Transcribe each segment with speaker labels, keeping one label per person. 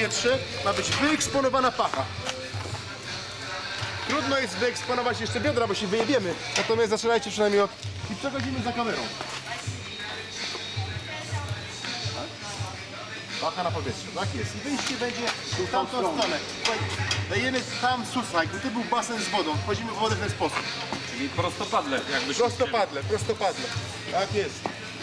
Speaker 1: powietrze, ma być wyeksponowana pacha. Trudno jest wyeksponować jeszcze biodra, bo się wyjebiemy. Natomiast zaczynajcie przynajmniej od... I przechodzimy za kamerą. Pacha na powietrze, tak jest. I wyjście będzie w tamtą stronę. Dajemy tam susaj, tu był basen z wodą. Wchodzimy w wodę w ten sposób.
Speaker 2: Czyli prostopadle, jakbyś
Speaker 1: Prostopadle, prostopadle. Tak jest.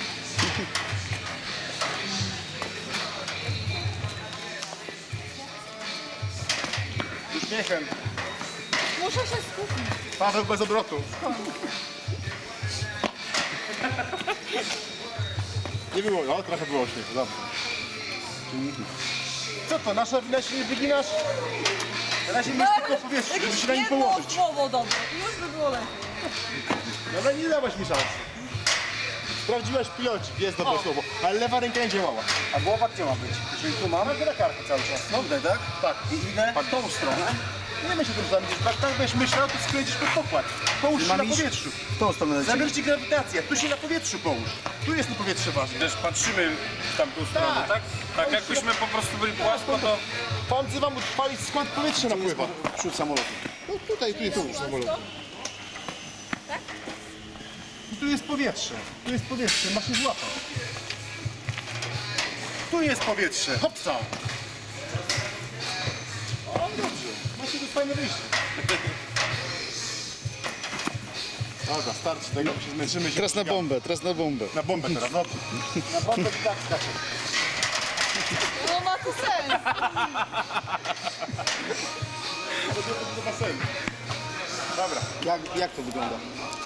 Speaker 1: Uśmiechem.
Speaker 3: Muszę się skupić.
Speaker 1: Paweł bez obrotu. Nie było, no trochę było śmiechu, dobrze. Co to, nasza wina się nie wyginasz? Na razie myśl tylko w powietrzu, żeby się na nim położyć.
Speaker 3: słowo dobre i już by było lepiej.
Speaker 1: No ale nie dałaś mi szansy. Sprawdziłaś pilocik, jest dobre słowo, ale lewa ręka nie działała.
Speaker 4: A głowa gdzie ma być? Czyli tu mam?
Speaker 1: Mamy na kartę cały czas.
Speaker 4: No tak?
Speaker 1: Tak.
Speaker 4: I idę
Speaker 1: A tą stronę? Nie myśl tym zamiast, tak będziesz myślał, to skręcisz pod pokład. Połóż się
Speaker 4: mam
Speaker 1: na
Speaker 4: iść?
Speaker 1: powietrzu.
Speaker 4: w tą stronę leci.
Speaker 1: Zabierz ci grawitację, tu się na powietrzu połóż. Tu jest to powietrze ważne.
Speaker 2: też patrzymy w tamtą stronę,
Speaker 1: Tak.
Speaker 2: tak? Tak, jakbyśmy po prostu byli płasko, to...
Speaker 1: Pan wzywam utrwalić, skąd powietrze napływa.
Speaker 4: Przód samolotu.
Speaker 1: No tutaj, tu jest samolot. I tu jest powietrze. Tu jest powietrze, masz się złapać. Tu jest powietrze, hopsa. O, dobrze. Macie tu fajne wyjście. Dobra, starczy tego, bo się zmęczymy.
Speaker 4: Teraz na bombę, teraz na bombę.
Speaker 1: Na bombę teraz, dobrze. Na bombę i tak skacze.
Speaker 3: No ma to sens.
Speaker 1: Do basenu. Dobra.
Speaker 4: Jak to wygląda?